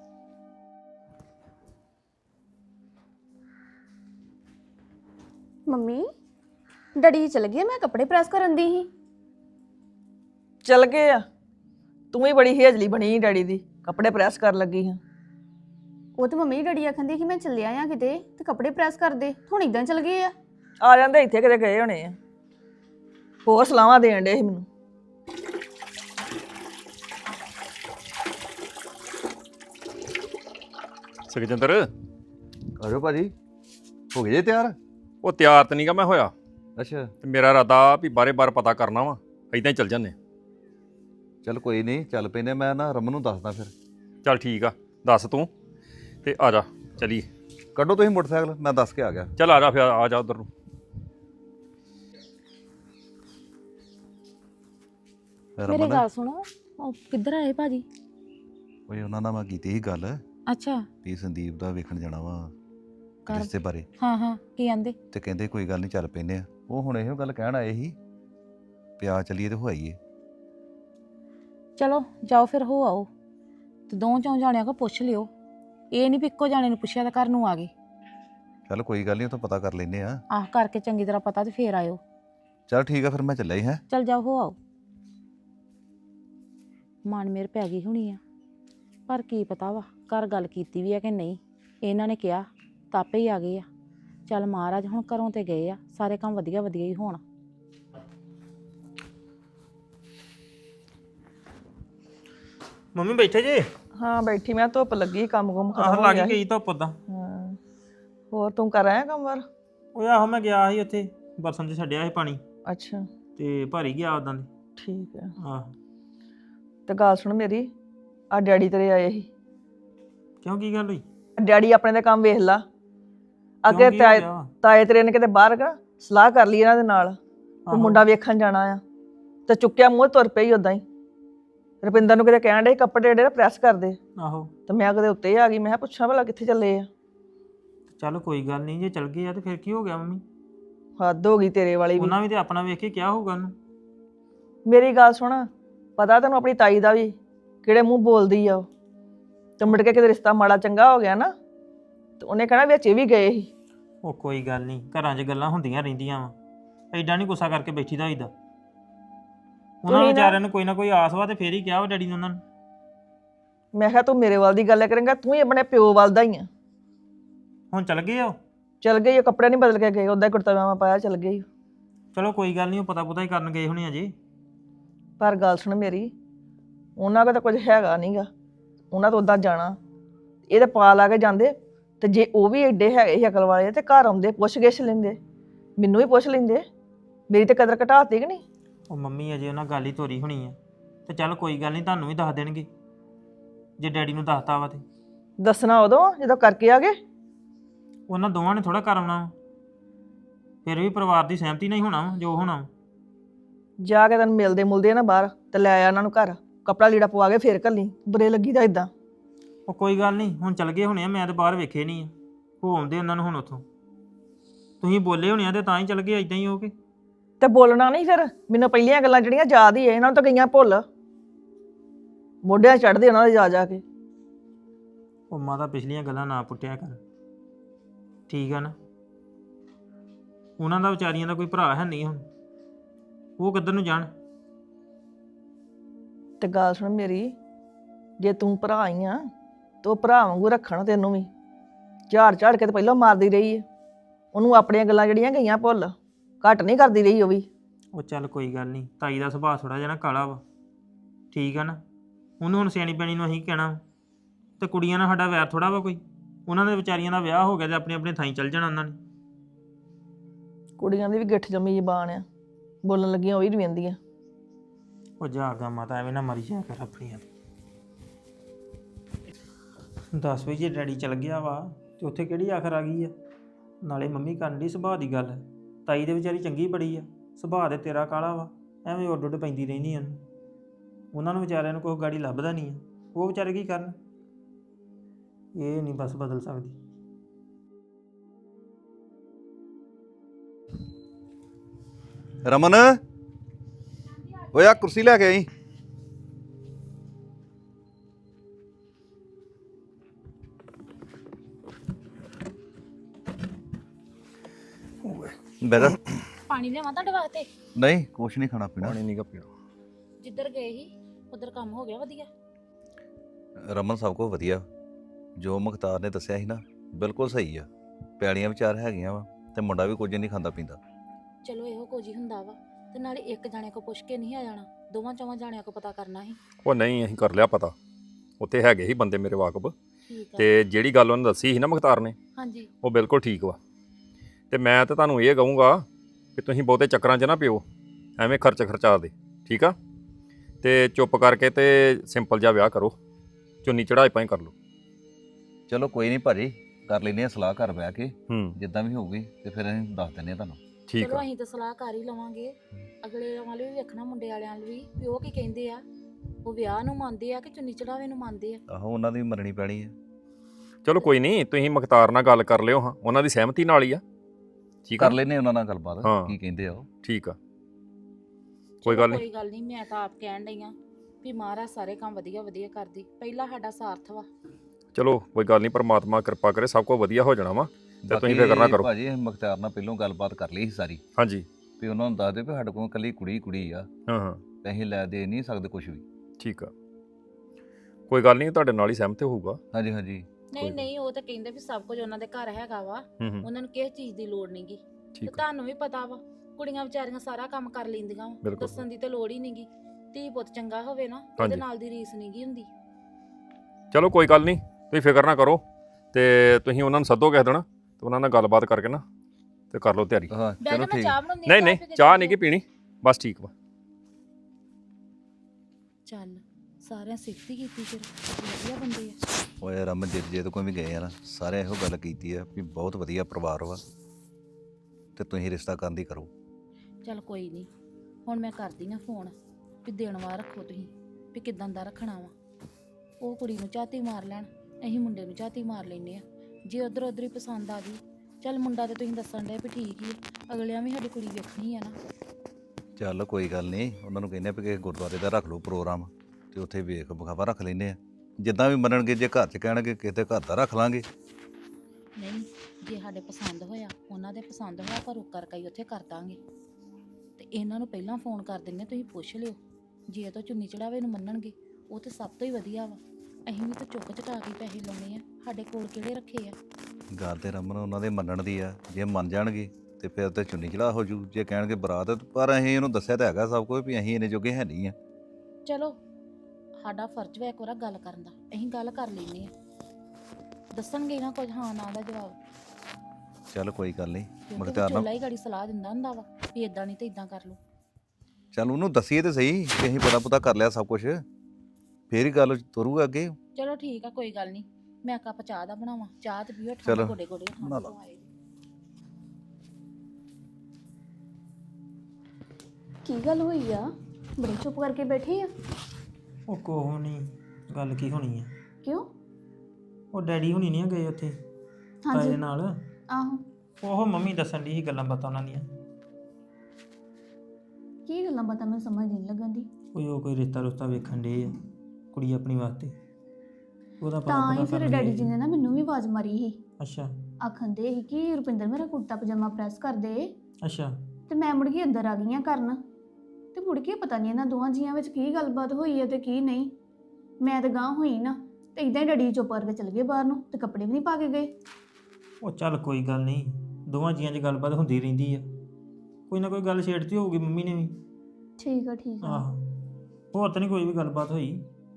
[SPEAKER 4] ਮੰਮੀ ਡੈਡੀ ਚਲ ਗਏ, ਮੈਂ ਕੱਪੜੇ ਪ੍ਰੈਸ ਕਰਨ ਦੀ ਸੀ।
[SPEAKER 5] ਚੱਲ ਗਏ ਆ? ਤੂੰ ਹੀ ਬੜੀ ਹੇਜਲੀ ਬਣੀ ਡੈਡੀ ਦੀ, ਕੱਪੜੇ ਪ੍ਰੈਸ ਕਰਨ ਲੱਗੀ ਹਾਂ।
[SPEAKER 4] ਉਹ ਤੇ ਮੰਮੀ ਡੈਡੀ ਆਖੰਦੇ ਕਿ ਮੈਂ ਚੱਲਿਆ ਆ ਕਿਤੇ ਤੇ ਕੱਪੜੇ ਪ੍ਰੈਸ ਕਰਦੇ, ਹੁਣ ਇਦਾਂ ਚਲ ਗਏ ਆ।
[SPEAKER 5] ਆ ਜਾਂਦੇ ਇੱਥੇ ਕਿਤੇ ਗਏ ਹੋਣੇ ਆ, ਹੋਰ ਸਲਾਹਾਂ ਦੇਣ ਡੇ ਸੀ ਮੈਨੂੰ।
[SPEAKER 3] ਸੁਖਜਿੰਦਰ,
[SPEAKER 1] ਆਜੋ ਭਾਜੀ, ਹੋ ਗਏ ਜੇ ਤਿਆਰ?
[SPEAKER 3] ਉਹ ਤਿਆਰ ਤਾਂ ਨਹੀਂਗਾ ਮੈਂ ਹੋਇਆ,
[SPEAKER 1] ਅੱਛਾ,
[SPEAKER 3] ਤੇ ਮੇਰਾ ਇਰਾਦਾ ਵੀ ਬਾਰੇ-ਬਾਰ ਪਤਾ ਕਰਨਾ ਵਾ, ਇਦਾਂ ਹੀ ਚੱਲ ਜਾਂਦੇ।
[SPEAKER 1] ਚੱਲ ਕੋਈ ਨਹੀਂ, ਚੱਲ ਪੈਨੇ। ਮੈਂ ਨਾ ਰਮਨ ਨੂੰ ਦੱਸਦਾ ਫਿਰ।
[SPEAKER 3] ਚੱਲ ਠੀਕ ਆ, ਦੱਸ ਤੂੰ ਤੇ ਆ ਜਾ, ਚਲੀਏ।
[SPEAKER 1] ਕੱਢੋ ਤੁਸੀਂ ਮੋਟਰਸਾਈਕਲ, ਮੈਂ ਦੱਸ ਕੇ ਆ ਗਿਆ।
[SPEAKER 3] ਚੱਲ ਆ ਜਾ ਫਿਰ, ਆ ਜਾ ਉਧਰ ਨੂੰ।
[SPEAKER 2] ਮੇਰੀ ਗੱਲ ਸੁਣੋ, ਉਹ ਕਿੱਧਰ ਆਏ ਭਾਜੀ?
[SPEAKER 1] ਓਏ ਉਹਨਾਂ ਨਾਲ ਮੈਂ ਕੀਤੀ ਸੀ ਗੱਲ
[SPEAKER 2] ਅੱਛਾ,
[SPEAKER 1] ਵੀ ਸੰਦੀਪ ਦਾ ਵੇਖਣ ਜਾਣਾ ਵਾ
[SPEAKER 2] ਕਰ
[SPEAKER 1] ਰਿਸ਼ਤੇ ਬਾਰੇ,
[SPEAKER 2] ਹਾਂ ਕੀ ਆਂਦੇ?
[SPEAKER 1] ਤੇ ਕਹਿੰਦੇ ਕੋਈ ਗੱਲ ਨਹੀਂ, ਚੱਲ ਪੈਨੇ ਆ। ਉਹ ਹੁਣ ਇਹੋ ਗੱਲ ਕਹਿਣ ਆਏ ਸੀ ਵੀ ਆ ਚੱਲੀਏ ਤੇ ਹੋ ਆਈਏ।
[SPEAKER 2] ਚਲੋ ਜਾਓ ਫਿਰ, ਹੋ ਆਓ, ਤੇ ਦੋ ਚੌਂ ਜਾਣਿਆਂ ਕੋ ਪੁੱਛ ਲਿਓ। ਇਹ ਨਹੀਂ ਵੀ ਇੱਕੋ ਜਾਣੇ ਨੂੰ ਪੁੱਛਿਆ ਤਾਂ ਘਰ ਨੂੰ ਆ ਗਏ।
[SPEAKER 1] ਚੱਲ ਕੋਈ ਗੱਲ ਨਹੀਂ, ਉਹ ਤਾਂ ਪਤਾ ਕਰ ਲੈਨੇ ਆ।
[SPEAKER 2] ਆਹ ਕਰਕੇ ਚੰਗੀ ਤਰ੍ਹਾਂ ਪਤਾ ਤੇ ਫੇਰ ਆਇਓ।
[SPEAKER 1] ਚੱਲ ਠੀਕ ਆ, ਫਿਰ ਮੈਂ ਚੱਲਿਆ ਹੀ। ਹੈ
[SPEAKER 2] ਚੱਲ ਜਾਓ, ਹੋ ਆਓ। ਮਨ ਮੇਰ ਪੈ ਗਈ ਹੋਣੀ ਆ, ਪਰ ਕੀ ਪਤਾ ਵਾ ਘਰ ਗੱਲ ਕੀਤੀ ਵੀ ਆ ਕਿ ਨਹੀਂ। ਇਹਨਾਂ ਨੇ ਕਿਹਾ ਤਾਪੇ ਹੀ ਆ ਗਏ ਆ। ਚੱਲ ਮਹਾਰਾਜ ਹੁਣ ਘਰੋਂ ਤੇ ਗਏ ਆ, ਸਾਰੇ ਕੰਮ ਵਧੀਆ ਵਧੀਆ ਹੀ ਹੋਣ।
[SPEAKER 6] ਮੰਮੀ ਬੈਠੇ ਜੇ?
[SPEAKER 5] ਹਾਂ ਬੈਠੀ, ਮੈਂ ਧੁੱਪ ਲੱਗੀ, ਕੰਮ ਕੁਮ
[SPEAKER 6] ਆਹ
[SPEAKER 5] ਖਤਮ ਹੋ
[SPEAKER 6] ਲੱਗ
[SPEAKER 5] ਗਿਆ
[SPEAKER 6] ਹੀ
[SPEAKER 5] ਸੀ।
[SPEAKER 6] ਗਈ ਧੁੱਪ ਉਦਾਂ।
[SPEAKER 5] ਹਾਂ, ਹੋਰ ਤੂੰ ਕਰ ਆਇਆ ਕੰਮ ਵਾਰ?
[SPEAKER 6] ਉਹ ਆਹੋ ਮੈਂ ਗਿਆ ਸੀ ਉੱਥੇ ਬਰਸਨ 'ਚ ਛੱਡਿਆ ਸੀ ਪਾਣੀ,
[SPEAKER 5] ਅੱਛਾ
[SPEAKER 6] ਤੇ ਭਰੀ ਗਿਆ ਉਦਾਂ ਦੇ।
[SPEAKER 5] ਠੀਕ ਹੈ।
[SPEAKER 6] ਆਹੋ,
[SPEAKER 5] ਤੇ ਗੱਲ ਸੁਣ ਮੇਰੀ, ਆ ਡੈਡੀ ਤੇਰੇ ਆਏ ਸੀ।
[SPEAKER 6] ਕਿਉਂ ਕੀ ਗੱਲ ਹੋਈ?
[SPEAKER 5] ਡੈਡੀ ਆਪਣੇ ਦਾ ਕੰਮ ਵੇਖ ਲਾ। ਅੱਗੇ
[SPEAKER 6] ਕਿਉਂ, ਕੀ ਹੋ
[SPEAKER 5] ਤਾਏ
[SPEAKER 6] ਗਿਆ?
[SPEAKER 5] ਤਾਏ ਤੇਰੇ ਨੇ ਕਿਤੇ ਬਾਹਰ ਸਲਾਹ ਕਰ ਲਈ ਇਹਨਾਂ ਦੇ ਨਾਲ, ਉਹ
[SPEAKER 6] ਆਹੋ।
[SPEAKER 5] ਮੁੰਡਾ ਵੇਖਣ ਜਾਣਾ ਆ, ਤੇ ਚੁੱਕਿਆ ਮੂੰਹ ਤੁਰ ਪਈ ਉਦਾਂ ਹੀ। ਰੁਪਿੰਦਰ ਨੂੰ ਕਿਤੇ ਕਹਿਣ ਡੇ ਕੱਪੜੇ ਜਿਹੜੇ ਪ੍ਰੈਸ ਕਰਦੇ,
[SPEAKER 6] ਆਹੋ,
[SPEAKER 5] ਤੇ ਮੈਂ ਕਦੇ ਉੱਤੇ ਹੀ ਆ ਗਈ। ਮੈਂ ਕਿਹਾ ਪੁੱਛਾਂ ਭਲਾ ਕਿੱਥੇ ਚੱਲੇ ਆ।
[SPEAKER 6] ਚੱਲ ਕੋਈ ਗੱਲ ਨਹੀਂ, ਜੇ ਚਲ ਗਏ ਆ ਤੇ ਫਿਰ ਕੀ ਹੋ ਗਿਆ ਮੰਮੀ?
[SPEAKER 5] ਹੱਦ ਹੋ ਗਈ ਤੇਰੇ ਵਾਲੀ ਵੀ।
[SPEAKER 6] ਉਹਨਾਂ ਵੀ ਤੇ ਆਪਣਾ ਵੇਖ ਕੇ ਕਿਹਾ ਹੋਊਗਾ ਉਹਨੂੰ।
[SPEAKER 5] ਮੇਰੀ ਗੱਲ ਸੁਣ, ਪਤਾ ਤੈਨੂੰ ਆਪਣੀ ਤਾਈ ਦਾ ਵੀ ਕਿਹੜੇ ਮੂੰਹ ਬੋਲਦੀ ਆ ਉਹ। ਤੇ ਮੁੜ ਕੇ ਕਿਤੇ ਰਿਸ਼ਤਾ ਮਾੜਾ ਚੰਗਾ ਹੋ ਗਿਆ ਨਾ, ਤੇ ਉਹਨੇ ਕਹਿਣਾ ਵਿੱਚ ਇਹ ਵੀ ਗਏ ਸੀ।
[SPEAKER 6] ਉਹ ਕੋਈ ਗੱਲ ਨਹੀਂ, ਘਰਾਂ 'ਚ ਗੱਲਾਂ ਹੁੰਦੀਆਂ ਰਹਿੰਦੀਆਂ ਵਾ, ਐਡਾ ਨਹੀਂ ਗੁੱਸਾ ਕਰਕੇ ਬੈਠੀ ਦਾ ਹੋਈਦਾ। ਉਹਨਾਂ
[SPEAKER 5] ਤੁਸੀਂ ਨਾ-
[SPEAKER 6] ਵਿਚਾਰਿਆਂ ਨੂੰ ਕੋਈ ਨਾ ਕੋਈ ਆਸ ਵਾ, ਤੇ ਫੇਰ ਹੀ ਕਿਹਾ ਵਾ ਡੈਡੀ ਨੇ ਉਹਨਾਂ ਨੂੰ।
[SPEAKER 5] ਮੈਂ ਕਿਹਾ ਤੂੰ ਮੇਰੇ ਵੱਲ ਦੀ ਗੱਲ ਕਰੇਂਗਾ, ਤੂੰ ਹੀ ਆਪਣੇ ਪਿਓ ਵੱਲ ਦਾ ਹੀ ਆ।
[SPEAKER 6] ਹੁਣ ਚਲ ਗਏ ਆ ਉਹ?
[SPEAKER 5] ਚੱਲ ਗਈ, ਉਹ ਕੱਪੜੇ ਨਹੀਂ ਬਦਲ ਕੇ ਗਏ, ਉਹਦਾ ਹੀ ਕੁੜਤਾ ਪਜਾਮਾ ਪਾਇਆ ਚੱਲ ਗਈ।
[SPEAKER 6] ਚਲੋ ਕੋਈ ਗੱਲ ਨਹੀਂ, ਉਹ ਪਤਾ ਪੁਤਾ ਹੀ ਕਰਨ ਗਏ ਹੋਣੇ ਅਜੇ।
[SPEAKER 5] ਪਰ ਗੱਲ ਸੁਣ ਮੇਰੀ, ਉਹਨਾਂ ਕੋਲ ਤਾਂ ਕੁਝ ਹੈਗਾ ਨਹੀਂਗਾ, ਉਹਨਾਂ ਤੋਂ ਉੱਦਾਂ ਜਾਣਾ। ਇਹ ਤਾਂ ਪਾ ਲਾ ਕੇ ਜਾਂਦੇ, ਤੇ ਜੇ ਉਹ ਵੀ ਐਡੇ ਹੈਗੇ ਸੀ ਅਕਲ ਵਾਲੇ, ਤੇ ਘਰ ਆਉਂਦੇ ਪੁੱਛ ਗਿੱਛ ਲੈਂਦੇ, ਮੈਨੂੰ ਹੀ ਪੁੱਛ ਲੈਂਦੇ। ਮੇਰੀ ਤੇ ਕਦਰ ਘਟਾਤੀ ਕਿ ਨਹੀਂ?
[SPEAKER 6] ਉਹ ਮੰਮੀ ਅਜੇ ਉਹਨਾਂ ਗੱਲ ਹੀ ਤੋਰੀ ਹੋਣੀ ਆ, ਤੇ ਚੱਲ ਕੋਈ ਗੱਲ ਨਹੀਂ, ਤੁਹਾਨੂੰ ਵੀ ਦੱਸ ਦੇਣਗੇ ਜੇ ਡੈਡੀ ਨੂੰ ਦੱਸਤਾ ਵਾ ਤੇ।
[SPEAKER 5] ਦੱਸਣਾ ਉਦੋਂ ਜਦੋਂ ਕਰਕੇ ਆ ਗਏ।
[SPEAKER 6] ਉਹਨਾਂ ਦੋਵਾਂ ਨੇ ਥੋੜਾ ਕਰ ਆਉਣਾ ਵਾ। ਫਿਰ ਵੀ ਪਰਿਵਾਰ ਦੀ ਸਹਿਮਤੀ ਨਹੀਂ ਹੋਣਾ ਵਾ, ਜੋ ਹੋਣਾ ਵਾ।
[SPEAKER 5] ਜਾ ਕੇ ਤੈਨੂੰ ਮਿਲਦੇ ਮੁਲਦੇ ਆ ਨਾ ਬਾਹਰ ਤੇ ਲੈ ਆ ਉਹਨਾਂ ਨੂੰ ਘਰ, ਕੱਪੜਾ ਲੀੜਾ ਪਵਾ ਕੇ ਫੇਰ ਘੱਲੀ, ਬੁਰੇ ਲੱਗੀਦਾ ਇਦਾਂ।
[SPEAKER 6] ਉਹ ਕੋਈ ਗੱਲ ਨਹੀਂ, ਹੁਣ ਚੱਲ ਗਏ ਹੋਣੇ ਆ, ਮੈਂ ਤਾਂ ਬਾਹਰ ਵੇਖੇ ਨਹੀਂ ਆ। ਹੋ ਆਉਂਦੇ ਉਹਨਾਂ ਨੂੰ ਹੁਣ ਉੱਥੋਂ। ਤੁਸੀਂ ਬੋਲੇ ਹੋਣੇ ਆ ਤੇ ਤਾਂ ਹੀ ਚੱਲ ਗਏ ਇਦਾਂ ਹੀ ਹੋ ਕੇ।
[SPEAKER 5] ਤੇ ਬੋਲਣਾ ਨਹੀਂ ਫਿਰ, ਮੈਨੂੰ ਪਹਿਲੀਆਂ ਗੱਲਾਂ ਜਿਹੜੀਆਂ ਯਾਦ ਹੀ ਐ, ਇਹਨਾਂ ਨੂੰ ਤਾਂ ਗਈਆਂ ਭੁੱਲ, ਮੋਢਿਆਂ ਚੜ੍ਹਦੇ ਉਹਨਾਂ ਦੇ ਜਾ ਜਾ ਕੇ।
[SPEAKER 6] ਉਹ ਮਾਤਾ ਪਿਛਲੀਆਂ ਗੱਲਾਂ ਨਾ ਪੁੱਟਿਆ ਕਰ, ਠੀਕ ਆ ਨਾ। ਉਹਨਾਂ ਦਾ ਵਿਚਾਰੀਆਂ ਦਾ ਕੋਈ ਭਰਾ ਹੈ ਨਹੀਂ ਹੁਣ, ਉਹ ਕਿੱਧਰ ਨੂੰ ਜਾਣ।
[SPEAKER 5] ਤੇ ਗੱਲ ਸੁਣ ਮੇਰੀ, ਜੇ ਤੂੰ ਭਰਾ ਹੀ ਆ ਤਾਂ ਉਹ ਭਰਾ ਵਾਂਗੂ ਰੱਖਣ ਤੈਨੂੰ ਵੀ। ਝਾੜ ਝਾੜ ਕੇ ਤੇ ਪਹਿਲਾਂ ਮਾਰਦੀ ਰਹੀ ਹੈ ਉਹਨੂੰ, ਆਪਣੀਆਂ ਗੱਲਾਂ ਜਿਹੜੀਆਂ ਗਈਆਂ ਭੁੱਲ, ਘੱਟ ਨਹੀਂ ਕਰਦੀ ਰਹੀ ਉਹ ਵੀ।
[SPEAKER 6] ਉਹ ਚੱਲ ਕੋਈ ਗੱਲ ਨਹੀਂ, ਤਾਈ ਦਾ ਸੁਭਾਅ ਥੋੜਾ ਜਿਹਾ ਨਾ ਕਾਲਾ ਵਾ, ਠੀਕ ਆ ਨਾ। ਉਹਨੂੰ ਹੁਣ ਸਿਆਣੀ ਪੈਣੀ ਨੂੰ ਅਸੀਂ ਕਹਿਣਾ, ਤੇ ਕੁੜੀਆਂ ਨਾਲ ਸਾਡਾ ਵੈਰ ਥੋੜਾ ਵਾ ਕੋਈ। ਉਹਨਾਂ ਦੇ ਵਿਚਾਰੀਆਂ ਦਾ ਵਿਆਹ ਹੋ ਗਿਆ ਤੇ ਆਪਣੇ ਆਪਣੇ ਥਾਈਂ ਚੱਲ ਜਾਣਾ ਉਹਨਾਂ ਨੇ।
[SPEAKER 5] ਕੁੜੀਆਂ ਦੀ ਵੀ ਗਿੱਠ ਜੰਮੀ ਜ਼ਬਾਨ ਆ, ਬੋਲਣ ਲੱਗੀਆਂ ਉਹ ਵੀ ਨਹੀਂ ਵਹਿੰਦੀਆਂ।
[SPEAKER 6] ਉਹ ਜਾਗਾ ਮਾਤਾ, ਐਵੇਂ ਨਾ ਮਰੀ ਜਾ ਕਰ ਆਪਣੀ ਆਪ। 10 ਵਜੇ ਡੈਡੀ ਚਲ ਗਿਆ ਵਾ ਤੇ ਉੱਥੇ ਕਿਹੜੀ ਆਖਰ ਆ ਗਈ ਆ। ਨਾਲੇ ਮੰਮੀ ਕਰਨ ਦੀ ਸੁਭਾਅ ਦੀ ਗੱਲ, ਤਾਈ ਦੇ ਵਿਚਾਰੀ ਚੰਗੀ ਬੜੀ ਆ, ਸੁਭਾਅ ਦੇ ਤੇਰਾ ਕਾਲਾ ਵਾ, ਐਵੇਂ ਉੱਡ ਉੱਡ ਪੈਂਦੀ ਰਹਿੰਦੀ ਉਹਨੂੰ। ਉਹਨਾਂ ਨੂੰ ਵਿਚਾਰਿਆਂ ਨੂੰ ਕੋਈ ਗਾੜੀ ਲੱਭਦਾ ਨਹੀਂ ਆ, ਉਹ ਵਿਚਾਰੇ ਕੀ ਕਰਨ। ਇਹ ਨਹੀਂ ਬਸ ਬਦਲ ਸਕਦੀ।
[SPEAKER 1] ਰਮਨ ਓਏ ਆ ਕੁਰਸੀ ਲੈ ਕੇ ਆਈ। ਬੈਠਾ।
[SPEAKER 2] ਪਾਣੀ ਲਿਆਵਾਂ ਤੁਹਾਡੇ ਵਾਸਤੇ?
[SPEAKER 1] ਨਹੀਂ ਕੁਛ ਨਹੀਂ ਖਾਣਾ ਪੀਣਾ।
[SPEAKER 3] ਪਾਣੀ ਨਹੀਂ ਗਾ ਪੀਣਾ।
[SPEAKER 2] ਜਿੱਧਰ ਗਏ ਸੀ ਉਧਰ ਕੰਮ ਹੋ ਗਿਆ ਵਧੀਆ?
[SPEAKER 1] ਰਮਨ ਸਭ ਕੁਝ ਵਧੀਆ, ਜੋ ਮੁਖਤਾਰ ਨੇ ਦੱਸਿਆ ਸੀ ਨਾ ਬਿਲਕੁਲ ਸਹੀ ਆ। ਪੈਲੀਆਂ ਵਿਚਾਰ ਹੈਗੀਆਂ ਵਾ ਤੇ ਮੁੰਡਾ ਵੀ ਕੁਝ ਨਹੀਂ ਖਾਂਦਾ ਪੀਂਦਾ।
[SPEAKER 2] ਚਲੋ ਇਹੋ ਕੁਝ ਹੀ ਹੁੰਦਾ ਵਾ, ਤੇ ਨਾਲੇ ਇੱਕ ਜਾਣੇ ਕੋ ਪੁੱਛ ਕੇ ਨਹੀਂ ਆ ਜਾਣਾ, ਦੋਵਾਂ ਚੌਵਾਂ ਜਾਣਿਆਂ ਕੋ ਪਤਾ ਕਰਨਾ ਸੀ।
[SPEAKER 3] ਉਹ ਨਹੀਂ, ਅਸੀਂ ਕਰ ਲਿਆ ਪਤਾ, ਉੱਥੇ ਹੈਗੇ ਸੀ ਬੰਦੇ ਮੇਰੇ ਵਾਕਬ।
[SPEAKER 2] ਠੀਕ ਆ।
[SPEAKER 3] ਤੇ ਜਿਹੜੀ ਗੱਲ ਉਹਨੇ ਦੱਸੀ ਸੀ ਨਾ ਮੁਖਤਾਰ ਨੇ,
[SPEAKER 2] ਹਾਂਜੀ।
[SPEAKER 3] ਉਹ ਬਿਲਕੁਲ ਠੀਕ ਵਾ। ਤੇ ਮੈਂ ਤਾਂ ਤੁਹਾਨੂੰ ਇਹ ਕਹੂੰਗਾ ਕਿ ਤੁਸੀਂ ਬਹੁਤੇ ਚੱਕਰਾਂ 'ਚ ਨਾ ਪਿਓ, ਐਵੇਂ ਖਰਚਾ ਦੇ, ਠੀਕ ਆ। ਤੇ ਚੁੱਪ ਕਰਕੇ ਤੇ ਸਿੰਪਲ ਜਿਹਾ ਵਿਆਹ ਕਰੋ, ਚੁੰਨੀ ਚੜਾਈ ਭਾਵੇਂ ਕਰ ਲਓ।
[SPEAKER 1] ਚਲੋ ਕੋਈ ਨਹੀਂ ਭਾਜੀ, ਕਰ ਲੈਂਦੇ ਆ ਸਲਾਹ ਘਰ ਬਹਿ ਕੇ,
[SPEAKER 3] ਹੂੰ
[SPEAKER 1] ਜਿੱਦਾਂ ਵੀ ਹੋਊਗੀ ਤੇ ਫਿਰ ਅਸੀਂ ਦੱਸ ਦਿੰਦੇ ਆ ਤੁਹਾਨੂੰ।
[SPEAKER 3] ਠੀਕ
[SPEAKER 2] ਚਲੋ
[SPEAKER 3] ਆ।
[SPEAKER 2] ਅਸੀਂ ਤਾਂ ਸਲਾਹ ਕਰ ਹੀ ਲਵਾਂਗੇ, ਅਗਲੇ ਵਾਲੇ ਵੀ ਵੇਖਣਾ, ਮੁੰਡੇ ਵਾਲਿਆਂ ਨੂੰ ਵੀ ਉਹ ਕੀ ਕਹਿੰਦੇ ਆ। ਉਹ ਵਿਆਹ ਨੂੰ ਮੰਨਦੇ ਆ ਕਿ ਚੁੰਨੀ ਚੜਾਵੇ ਨੂੰ ਮੰਨਦੇ ਆ?
[SPEAKER 1] ਆਹੋ ਉਹਨਾਂ ਦੀ ਵੀ ਮੰਨਣੀ ਪੈਣੀ ਆ।
[SPEAKER 3] ਚਲੋ ਕੋਈ ਨਹੀਂ, ਤੁਸੀਂ ਮੁਖਤਾਰ ਨਾਲ ਗੱਲ ਕਰ ਲਿਓ, ਹਾਂ ਉਹਨਾਂ ਦੀ ਸਹਿਮਤੀ ਨਾਲ ਹੀ ਆ। ਠੀਕ ਆ,
[SPEAKER 1] ਕਰ ਲੈਂਦੇ ਉਹਨਾਂ ਨਾਲ ਗੱਲਬਾਤ,
[SPEAKER 3] ਹਾਂ।
[SPEAKER 1] ਕੀ ਕਹਿੰਦੇ ਆ ਉਹ।
[SPEAKER 3] ਠੀਕ ਆ, ਕੋਈ ਗੱਲ ਨਹੀਂ।
[SPEAKER 2] ਕੋਈ ਗੱਲ ਨਹੀਂ, ਮੈਂ ਤਾਂ ਆਪ ਕਹਿਣ ਡਈ ਆ ਵੀ ਮਹਾਰਾਜ ਸਾਰੇ ਕੰਮ ਵਧੀਆ ਵਧੀਆ ਕਰਦੀ, ਪਹਿਲਾ ਸਾਡਾ ਸਾਰਥ ਵਾ।
[SPEAKER 3] ਚਲੋ ਕੋਈ ਗੱਲ ਨਹੀਂ, ਪਰਮਾਤਮਾ ਕਿਰਪਾ ਕਰੇ, ਸਭ ਕੁਝ ਵਧੀਆ ਹੋ ਜਾਣਾ ਵਾ। ਤੇ ਤੁਸੀਂ ਫਿਕਰ ਨਾ ਕਰੋ।
[SPEAKER 1] ਭਾਜੀ ਅਸੀਂ ਮੁਖਤਾਰ ਨਾਲ ਪਹਿਲਾਂ ਗੱਲਬਾਤ ਕਰ ਲਈ ਸੀ ਸਾਰੀ,
[SPEAKER 3] ਹਾਂਜੀ।
[SPEAKER 1] ਵੀ ਉਹਨਾਂ ਨੂੰ ਦੱਸ ਦਿਓ ਵੀ ਸਾਡੇ ਕੋਲ ਇਕੱਲੀ ਕੁੜੀ ਆ,
[SPEAKER 3] ਹਾਂ ਹਾਂ
[SPEAKER 1] ਤੇ ਅਸੀਂ ਲੈ ਦੇ ਨਹੀਂ ਸਕਦੇ ਕੁਝ ਵੀ।
[SPEAKER 3] ਠੀਕ ਆ, ਕੋਈ ਗੱਲ ਨਹੀਂ, ਤੁਹਾਡੇ ਨਾਲ ਹੀ ਸਹਿਮਤ ਹੋਊਗਾ।
[SPEAKER 1] ਹਾਂਜੀ ਹਾਂਜੀ
[SPEAKER 2] ਨਹੀਂ ਨਹੀਂ, ਉਹ ਤਾਂ ਕਹਿੰਦੇ ਵੀ ਸਭ ਕੁਝ ਉਹਨਾਂ ਦੇ ਘਰ ਹੈਗਾ ਵਾ,
[SPEAKER 3] ਹੂੰ
[SPEAKER 2] ਉਹਨਾਂ ਨੂੰ ਕਿਸੇ ਚੀਜ਼ ਦੀ ਲੋੜ ਨਹੀਂਗੀ। ਤੇ
[SPEAKER 3] ਠੀਕ ਆ,
[SPEAKER 2] ਤੁਹਾਨੂੰ ਵੀ ਪਤਾ ਵਾ, ਕੁੜੀਆਂ ਵਿਚਾਰੀਆਂ ਸਾਰਾ ਕੰਮ ਕਰ ਲੈਂਦੀਆਂ ਵਾ,
[SPEAKER 3] ਬਿਲਕੁਲ।
[SPEAKER 2] ਦੱਸਣ ਦੀ ਤੇ ਲੋੜ ਹੀ ਨਹੀਂਗੀ। ਧੀ ਪੁੱਤ ਚੰਗਾ ਹੋਵੇ ਨਾ,
[SPEAKER 3] ਹਾਂਜੀ।
[SPEAKER 2] ਉਹਦੇ ਨਾਲ ਦੀ ਰੀਸ ਨਹੀਂਗੀ ਹੁੰਦੀ।
[SPEAKER 3] ਚਲੋ ਕੋਈ ਗੱਲ ਨਹੀਂ, ਤੁਸੀਂ ਫਿਕਰ ਨਾ ਕਰੋ। ਤੇ ਤੁਸੀਂ ਉਹਨਾਂ ਨੂੰ ਸੱਦੋ ਕਿਸੇ ਦਿਨ, ਤੇ ਉਹਨਾਂ ਨਾਲ ਗੱਲਬਾਤ ਕਰਕੇ ਨਾ ਤੇ ਕਰ ਲਓ ਤਿਆਰੀ।
[SPEAKER 1] ਹਾਂ
[SPEAKER 2] ਬਹਿ
[SPEAKER 1] ਚਲੋ
[SPEAKER 2] ਜਾ, ਮੈਂ
[SPEAKER 1] ਠੀਕ।
[SPEAKER 2] ਚਾਹ ਬਣਾਉਂਦੀ
[SPEAKER 3] ਨਹੀਂ ਨਹੀਂ, ਚਾਹ ਨਹੀਂ ਕਿ ਪੀਣੀ, ਬਸ ਠੀਕ ਵਾ।
[SPEAKER 2] ਚੱਲ ਸਾਰਿਆਂ ਸਿਫਤੀ ਕੀਤੀ, ਫਿਰ ਵਧੀਆ ਬੰਦੇ ਆ।
[SPEAKER 1] ਓਏ ਰਮਨ ਜੇ ਤੋਂ ਕੋਈ ਵੀ ਗਏ ਆ ਨਾ, ਸਾਰੇ ਇਹੋ ਗੱਲ ਕੀਤੀ ਆ ਵੀ ਬਹੁਤ ਵਧੀਆ ਪਰਿਵਾਰ ਵਾ, ਤੇ ਤੁਸੀਂ ਰਿਸ਼ਤਾ ਕਰਨ ਦੀ ਕਰੋ।
[SPEAKER 2] ਚੱਲ ਕੋਈ ਨਹੀਂ, ਹੁਣ ਮੈਂ ਕਰਦੀ ਆ ਫੋਨ ਵੀ ਦੇਣ ਵਾਰ ਰੱਖੋ ਤੁਸੀਂ, ਵੀ ਕਿਦਾਂ ਦਾ ਰੱਖਣਾ ਵਾ। ਉਹ ਕੁੜੀ ਨੂੰ ਝਾਤੀ ਮਾਰ ਲੈਣ, ਅਸੀਂ ਮੁੰਡੇ ਨੂੰ ਝਾਤੀ ਮਾਰ ਲੈਨੇ ਆ। ਜੇ ਉਧਰ ਉਧਰ ਹੀ ਪਸੰਦ ਆ ਗਈ, ਚੱਲ ਮੁੰਡਾ ਤੇ ਤੁਸੀਂ ਦੱਸਣ ਡਏ ਵੀ ਠੀਕ ਹੀ ਆ, ਅਗਲਿਆਂ ਵੀ ਸਾਡੀ ਕੁੜੀ ਵੇਖਣੀ ਆ ਨਾ।
[SPEAKER 1] ਚੱਲ ਕੋਈ ਗੱਲ ਨਹੀਂ, ਉਹਨਾਂ ਨੂੰ ਕਹਿੰਦੇ ਆ ਵੀ ਕਿਸੇ ਗੁਰਦੁਆਰੇ ਦਾ ਰੱਖ ਲਓ ਪ੍ਰੋਗਰਾਮ, ਤੇ ਉੱਥੇ ਵੇਖ ਵਿਖਾਵਾ ਰੱਖ ਲੈਂਦੇ ਆ, ਜਿੱਦਾਂ ਵੀ ਮੰਨਣਗੇ। ਜੇ ਘਰ 'ਚ ਕਹਿਣਗੇ ਕਿਤੇ ਘਰ ਦਾ ਰੱਖ ਲਾਂਗੇ।
[SPEAKER 2] ਨਹੀਂ, ਜੇ ਸਾਡੇ ਪਸੰਦ ਹੋਇਆ, ਉਹਨਾਂ ਦੇ ਪਸੰਦ ਹੋਇਆ, ਆਪਾਂ ਰੁਕ ਕਰਕੇ ਹੀ ਉੱਥੇ ਕਰ ਦਾਂਗੇ। ਤੇ ਇਹਨਾਂ ਨੂੰ ਪਹਿਲਾਂ ਫੋਨ ਕਰ ਦਿੰਦੇ, ਤੁਸੀਂ ਪੁੱਛ ਲਿਓ। ਜੇ ਤਾਂ ਚੁੰਨੀ ਚੜਾਵੇ ਨੂੰ ਮੰਨਣਗੇ, ਉਹ ਤੇ ਸਭ ਤੋਂ ਹੀ ਵਧੀਆ ਵਾ। ਅਸੀਂ ਵੀ ਤਾਂ ਚੁੱਕ ਚੁਕਾ ਕੇ ਪੈਸੇ ਲਾਉਣੇ ਆ, ਸਾਡੇ ਕੋਲ ਕਿਹੜੇ ਰੱਖੇ ਆ।
[SPEAKER 1] ਗੱਲ ਤੇ ਰਮਨ ਉਹਨਾਂ ਦੇ ਮੰਨਣ ਦੀ ਆ, ਜੇ ਮੰਨ ਜਾਣਗੇ ਤੇ ਫਿਰ ਤੇ ਚੁੰਨੀ ਚੜਾ ਹੋ ਜੂ। ਜੇ ਕਹਿਣਗੇ ਬਰਾਤ, ਪਰ ਅਸੀਂ ਇਹਨੂੰ ਦੱਸਿਆ ਤਾਂ ਹੈਗਾ ਸਭ ਕੁਝ ਵੀ ਅਸੀਂ ਇਹਨੇ ਜੋਗੇ ਹੈ ਨਹੀਂ ਆ।
[SPEAKER 2] ਚਲੋ ਸਾਡਾ ਫਰਜ਼ ਵਾ ਇੱਕ ਵਾਰ ਗੱਲ ਕਰਨ ਦਾ, ਅਸੀਂ ਗੱਲ ਕਰ ਲੈਨੇ ਆ। ਦੱਸਣਗੇ ਨਾ ਕੁਝ ਹਾਂ ਨਾ ਦਾ ਜਵਾਬ।
[SPEAKER 1] ਚੱਲ ਕੋਈ ਗੱਲ ਨਹੀਂ,
[SPEAKER 2] ਕਿਉਂਕਿ
[SPEAKER 1] ਮੁਖਤਾਰ ਨਾਲ
[SPEAKER 2] ਵਿਚੋਲਾ ਹੀ ਗਾੜੀ ਸਲਾਹ ਦਿੰਦਾ ਹੁੰਦਾ ਵਾ ਵੀ ਇਦਾਂ ਨਹੀਂ ਤੇ ਇਦਾਂ ਕਰ ਲਓ।
[SPEAKER 1] ਚੱਲ ਉਹਨੂੰ ਦੱਸੀਏ ਤੇ ਸਹੀ ਕਿ ਅਸੀਂ ਪਤਾ ਪੁਤਾ ਕਰ ਲਿਆ ਸਭ ਕੁਝ, ਫੇਰ ਹੀ ਗੱਲ ਤੁਰੂਗਾ ਅੱਗੇ।
[SPEAKER 2] ਚਲੋ ਠੀਕ ਆ, ਕੋਈ ਗੱਲ ਨਹੀਂ। ਮੈਂ ਕੱਪ ਚਾਹ ਦਾ ਬਣਾਵਾਂ, ਚਾਹ ਤੇ ਪੀਓ,
[SPEAKER 1] ਚਲੋ,
[SPEAKER 2] ਠੰਡ ਗੋਡੇ ਗੋਡੇ
[SPEAKER 1] ਬਣਾ ਲਾ।
[SPEAKER 4] ਕੀ ਗੱਲ ਹੋਈ ਆ? ਬੜੇ ਚੁੱਪ ਕਰਕੇ ਬੈਠੇ ਆ।
[SPEAKER 6] ਉਹ ਕੋਹ ਨਹੀਂ, ਗੱਲ ਕੀ ਹੋਣੀ ਆ?
[SPEAKER 4] ਕਿਉਂ?
[SPEAKER 6] ਉਹ ਡੈਡੀ ਹੁਣੀ ਨਹੀਂ ਗਏ ਉੱਥੇ ਤਾਏ
[SPEAKER 4] ਹਾਂਜੀ
[SPEAKER 6] ਦੇ ਨਾਲ।
[SPEAKER 4] ਆਹੋ।
[SPEAKER 6] ਉਹ ਮੰਮੀ ਦੱਸਣ ਦੀ ਸੀ ਗੱਲਾਂ ਬਾਤਾਂ ਉਹਨਾਂ ਦੀਆਂ।
[SPEAKER 4] ਕੀ ਗੱਲਾਂ ਬਾਤਾਂ ਮੈਨੂੰ ਸਮਝ ਨਹੀਂ ਲੱਗਣ ਦੀ।
[SPEAKER 6] ਕੋਈ ਰਿਸ਼ਤਾ ਰੁਸ਼ਤਾ ਵੇਖਣ ਦੇ ਆ ਕੁੜੀ ਆਪਣੀ ਵਾਸਤੇ, ਉਹਦਾ ਪਤਾ
[SPEAKER 4] ਤਾਂ ਹੀ
[SPEAKER 6] ਪਤਾ
[SPEAKER 4] ਫਿਰ
[SPEAKER 6] ਕਰਨ
[SPEAKER 4] ਡੈਡੀ
[SPEAKER 6] ਡਏ
[SPEAKER 4] ਜੀ ਨੇ ਨਾ ਮੈਨੂੰ ਵੀ ਆਵਾਜ਼ ਮਾਰੀ ਸੀ।
[SPEAKER 6] ਅੱਛਾ
[SPEAKER 4] ਆਖਣ ਦੇ ਸੀ ਕਿ ਰੁਪਿੰਦਰ ਮੇਰਾ ਕੁੜਤਾ ਪਜਾਮਾ ਪ੍ਰੈਸ ਕਰ ਦੇ।
[SPEAKER 6] ਅੱਛਾ।
[SPEAKER 4] ਤੇ ਮੈਂ ਮੁੜ ਕੇ ਅੰਦਰ ਆ ਗਈ ਆ ਕਰਨ। ਤੇ ਮੁੜ ਕੇ ਪਤਾ ਨਹੀਂ ਇਹਨਾਂ ਦੋਵਾਂ ਜੀਆਂ ਵਿੱਚ ਕੀ ਗੱਲਬਾਤ ਹੋਈ ਹੈ ਤੇ ਕੀ ਨਹੀਂ। ਮੈਂ ਤਾਂ ਗਾਂਹ ਹੋਈ ਨਾ, ਤੇ ਇਦਾਂ ਹੀ ਡੈਡੀ ਚੁੱਪ ਕਰਕੇ ਚਲ ਗਏ ਬਾਹਰ ਨੂੰ, ਤੇ ਕੱਪੜੇ ਵੀ ਨਹੀਂ ਪਾ ਕੇ ਗਏ।
[SPEAKER 6] ਉਹ ਚੱਲ ਕੋਈ ਗੱਲ ਨਹੀਂ, ਦੋਵਾਂ ਜੀਆਂ 'ਚ ਗੱਲਬਾਤ ਹੁੰਦੀ ਰਹਿੰਦੀ ਆ, ਕੋਈ ਨਾ ਕੋਈ ਗੱਲ ਛੇੜਤੀ ਹੋਊਗੀ ਮੰਮੀ ਨੇ ਵੀ।
[SPEAKER 4] ਠੀਕ ਆ ਠੀਕ ਆ।
[SPEAKER 6] ਆਹੋ, ਹੋਰ ਤਾਂ ਨਹੀਂ ਕੋਈ ਵੀ ਗੱਲਬਾਤ ਹੋਈ।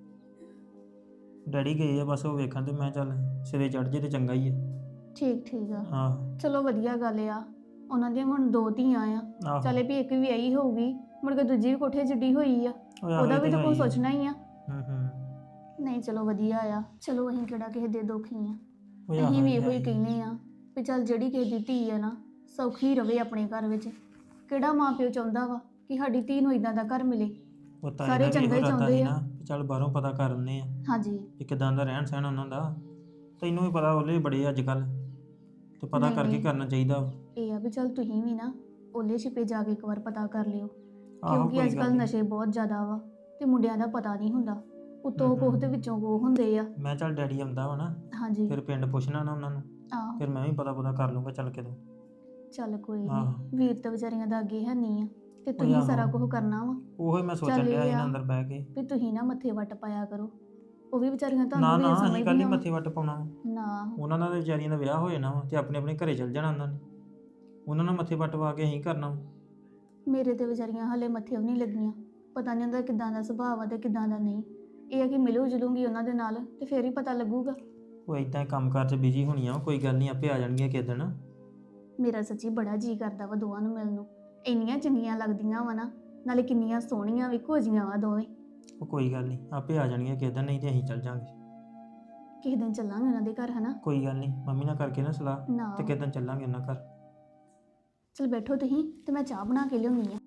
[SPEAKER 6] ਡੈਡੀ ਗਏ ਆ ਬਸ ਉਹ ਵੇਖਣ, ਤੇ ਮੈਂ ਚੱਲ ਸਿਰੇ ਚੜ ਜੇ ਤੇ ਚੰਗਾ ਹੀ ਆ।
[SPEAKER 4] ਠੀਕ ਠੀਕ ਆ।
[SPEAKER 6] ਆਹ
[SPEAKER 4] ਚਲੋ ਵਧੀਆ ਗੱਲ ਆ। ਉਹਨਾਂ ਦੀਆਂ ਹੁਣ 2 ਧੀਆਂ ਆ।
[SPEAKER 6] ਆਹੋ।
[SPEAKER 4] ਚੱਲੇ ਵੀ ਇੱਕ ਵੀ ਆਈ ਹੋਊਗੀ, ਮੁੜ ਕੇ ਦੂਜੀ ਵੀ ਕੋਠੇ ਜਿੱਡੀ ਹੋਈ ਆ।
[SPEAKER 6] ਉਹ ਆਹੋ
[SPEAKER 4] ਉਹਦਾ
[SPEAKER 6] ਇਹ
[SPEAKER 4] ਵੀ
[SPEAKER 6] ਤੇ
[SPEAKER 4] ਤਾਂ
[SPEAKER 6] ਹੈ
[SPEAKER 4] ਕੋਈ
[SPEAKER 6] ਹੀ ਆ।
[SPEAKER 4] ਸੋਚਣਾ ਹੀ ਆ।
[SPEAKER 6] ਹੂੰ।
[SPEAKER 4] ਨਹੀਂ ਚਲੋ ਵਧੀਆ ਆ। ਚਲੋ ਅਸੀਂ ਕਿਹੜਾ ਕਿਸੇ ਦੇ ਦੁਖੀ ਆ।
[SPEAKER 6] ਉਹ ਆਹੋ
[SPEAKER 4] ਅਸੀਂ ਵੀ
[SPEAKER 6] ਇਹ
[SPEAKER 4] ਇਹੋ
[SPEAKER 6] ਹੈ
[SPEAKER 4] ਹੀ
[SPEAKER 6] ਹੀ।
[SPEAKER 4] ਕਹਿੰਦੇ ਆ ਵੀ ਚੱਲ ਜਿਹੜੀ ਕਿਸੇ ਦੀ ਧੀ ਆ ਨਾ, ਸੌਖੀ ਰਵੇ ਆਪਣੇ ਘਰ ਵਿੱਚ। ਕਿਹੜਾ ਮਾਂ ਪਿਓ ਚਾਹੁੰਦਾ ਵਾ ਕਿ ਸਾਡੀ ਧੀ ਨੂੰ ਇਦਾਂ ਦਾ ਘਰ ਮਿਲੇ।
[SPEAKER 6] ਉਹ ਤਾਂ
[SPEAKER 4] ਸਾਰੇ ਚੰਗਾ ਹੀ ਚਾਹੁੰਦੇ ਆ।
[SPEAKER 6] ਚੱਲ ਬਾਹਰੋਂ ਪਤਾ ਕਰ ਲੈਂਦੇ ਆ
[SPEAKER 4] ਹਾਂਜੀ।
[SPEAKER 6] ਕਿ ਕਿਦਾਂ ਦਾ ਰਹਿਣ ਸਹਿਣ ਉਹਨਾਂ ਦਾ। ਤੈਨੂੰ ਵੀ ਪਤਾ ਉਹਲੇ ਬੜੇ ਅੱਜ ਕੱਲ, ਤੇ ਪਤਾ
[SPEAKER 4] ਨਹੀਂ,
[SPEAKER 6] ਕਰਕੇ
[SPEAKER 4] ਨਹੀਂ।
[SPEAKER 6] ਕਰਨਾ ਚਾਹੀਦਾ ਵਾ।
[SPEAKER 4] ਇਹ ਆ ਵੀ ਚੱਲ ਤੁਸੀਂ ਵੀ ਨਾ ਓਲੇ ਛਿਪੇ ਜਾ ਕੇ ਇੱਕ ਵਾਰ ਪਤਾ ਕਰ ਲਿਓ,
[SPEAKER 6] ਆਹੋ,
[SPEAKER 4] ਕਿਉਂਕਿ
[SPEAKER 6] ਕੋਈ
[SPEAKER 4] ਅੱਜ
[SPEAKER 6] ਗੱਲ
[SPEAKER 4] ਕੱਲ
[SPEAKER 6] ਨੀ।
[SPEAKER 4] ਨਸ਼ੇ ਬਹੁਤ ਜ਼ਿਆਦਾ ਵਾ ਤੇ ਮੁੰਡਿਆਂ ਦਾ ਪਤਾ ਨਹੀਂ ਹੁੰਦਾ। ਉਤੋਂ
[SPEAKER 6] ਹਮ,
[SPEAKER 4] ਕੋਹ ਦੇ ਵਿੱਚੋਂ ਕੋਹ ਹੁੰਦੇ ਆ।
[SPEAKER 6] ਮੈਂ ਚੱਲ ਡੈਡੀ ਆਉਂਦਾ ਵਾ ਨਾ,
[SPEAKER 4] ਹਾਂਜੀ।
[SPEAKER 6] ਫਿਰ ਪਿੰਡ ਪੁੱਛਣਾ ਨਾ ਉਹਨਾਂ ਨੂੰ,
[SPEAKER 4] ਆਹੋ
[SPEAKER 6] ਫਿਰ ਮੈਂ ਵੀ ਪਤਾ ਕਰ ਲੂੰਗਾ ਚੱਲ ਕੇ ਤੋਂ।
[SPEAKER 4] ਚੱਲ ਕੋਈ
[SPEAKER 6] ਆਹੋ।
[SPEAKER 4] ਨਹੀਂ, ਵੀਰ ਤਾਂ ਵਿਚਾਰੀਆਂ ਦਾ ਅੱਗੇ ਹੈ ਨਹੀਂ ਆ, ਤੇ ਤੁਸੀਂ
[SPEAKER 6] ਆਹੋ।
[SPEAKER 4] ਸਾਰਾ ਕੁਝ ਕਰਨਾ ਵਾ।
[SPEAKER 6] ਉਹੀ ਮੈਂ ਸੋਚਣ
[SPEAKER 4] ਚੱਲ
[SPEAKER 6] ਡਿਆ
[SPEAKER 4] ਇਹ
[SPEAKER 6] ਸੀ ਨਾ
[SPEAKER 4] ਆ
[SPEAKER 6] ਅੰਦਰ ਬਹਿ ਕੇ।
[SPEAKER 4] ਵੀ ਤੁਸੀਂ ਨਾ ਮੱਥੇ ਵੱਟ ਪਾਇਆ ਕਰੋ। ਉਹ ਵੀ ਵਿਚਾਰੀਆਂ
[SPEAKER 6] ਨਾ
[SPEAKER 4] ਤੁਹਾਨੂੰ
[SPEAKER 6] ਨਾ
[SPEAKER 4] ਵੀ
[SPEAKER 6] ਅਸੀਂ ਕੱਲ ਹੀ
[SPEAKER 4] ਸਮਝਦੀਆਂ
[SPEAKER 6] ਮੱਥੇ ਵੱਟ ਪਾਉਣਾ ਵਾ।
[SPEAKER 4] ਨਾ।
[SPEAKER 6] ਉਹਨਾਂ ਨਾਲ ਤਾਂ ਵਿਚਾਰੀਆਂ ਦਾ ਵਿਆਹ ਹੋ ਜਾਣਾ ਵਾ, ਤੇ ਆਪਣੇ ਆਪਣੇ ਘਰੇ ਚੱਲ ਜਾਣਾ ਉਹਨਾਂ ਨੇ। ਉਹਨਾਂ ਨਾਲ ਮੱਥੇ ਵੱਟ ਪਾ ਕੇ ਅਸੀਂ ਕਰਨਾ ਵਾ।
[SPEAKER 4] ਮੇਰੇ ਤੇ ਵਿਚਾਰੀਆਂ ਹਲੇ ਮੱਥੇ ਵੀ ਨਹੀਂ ਲੱਗੀਆਂ। ਪਤਾ ਨਹੀਂ ਉਹਦਾ ਕਿਦਾਂ ਦਾ ਸੁਭਾਅ ਆ ਤੇ ਕਿਦਾਂ ਦਾ ਨਹੀਂ। ਇਹ ਆ ਕਿ ਮਿਲੂ ਜੁਲੂੰਗੀ ਉਹਨਾਂ ਦੇ ਨਾਲ ਤੇ ਫੇਰ ਹੀ ਪਤਾ ਲੱਗੂਗਾ।
[SPEAKER 6] ਉਹ ਇਦਾਂ ਹੀ ਕੰਮ ਕਾਰ 'ਚ ਬਿਜੀ ਹੋਣੀਆਂ ਵਾ, ਕੋਈ ਗੱਲ ਨਹੀਂ ਆਪੇ ਆ ਜਾਣਗੀਆਂ ਕਿਸੇ ਦਿਨ।
[SPEAKER 4] ਮੇਰਾ ਸੱਚੀ ਬੜਾ ਜੀ ਕਰਦਾ ਵਾ ਦੋਵਾਂ ਨੂੰ ਮਿਲਣ ਨੂੰ। ਇੰਨੀਆਂ ਚੰਗੀਆਂ ਲੱਗਦੀਆਂ ਵਾ ਨਾ, ਨਾਲੇ ਕਿੰਨੀਆਂ ਸੋਹਣੀਆਂ ਵੀ ਘੋਜੀਆਂ ਵਾ ਦੋਵੇਂ।
[SPEAKER 6] ਉਹ ਕੋਈ ਗੱਲ ਨਹੀਂ ਆਪੇ ਆ ਜਾਣਗੀਆਂ ਕਿਸੇ ਦਿਨ, ਨਹੀਂ ਤੇ ਅਸੀਂ ਚੱਲ ਜਾਾਂਗੇ।
[SPEAKER 4] ਕਿਸੇ ਦਿਨ ਚੱਲਾਂਗੇ ਉਹਨਾਂ ਦੇ ਘਰ, ਹਨਾ?
[SPEAKER 6] ਕੋਈ ਗੱਲ ਨਹੀਂ, ਮੰਮੀ ਨਾਲ ਕਰਕੇ ਨਾ ਸਲਾਹ,
[SPEAKER 4] ਨਾ।
[SPEAKER 6] ਤੇ ਕਿਸੇ ਦਿਨ ਚੱਲਾਂਗੇ ਉਹਨਾਂ ਘਰ।
[SPEAKER 4] ਚਲ ਬੈਠੋ ਤੁਸੀਂ, ਤੇ ਮੈਂ ਚਾਹ ਬਣਾ ਕੇ ਲਿਆਉਣੀ ਆ।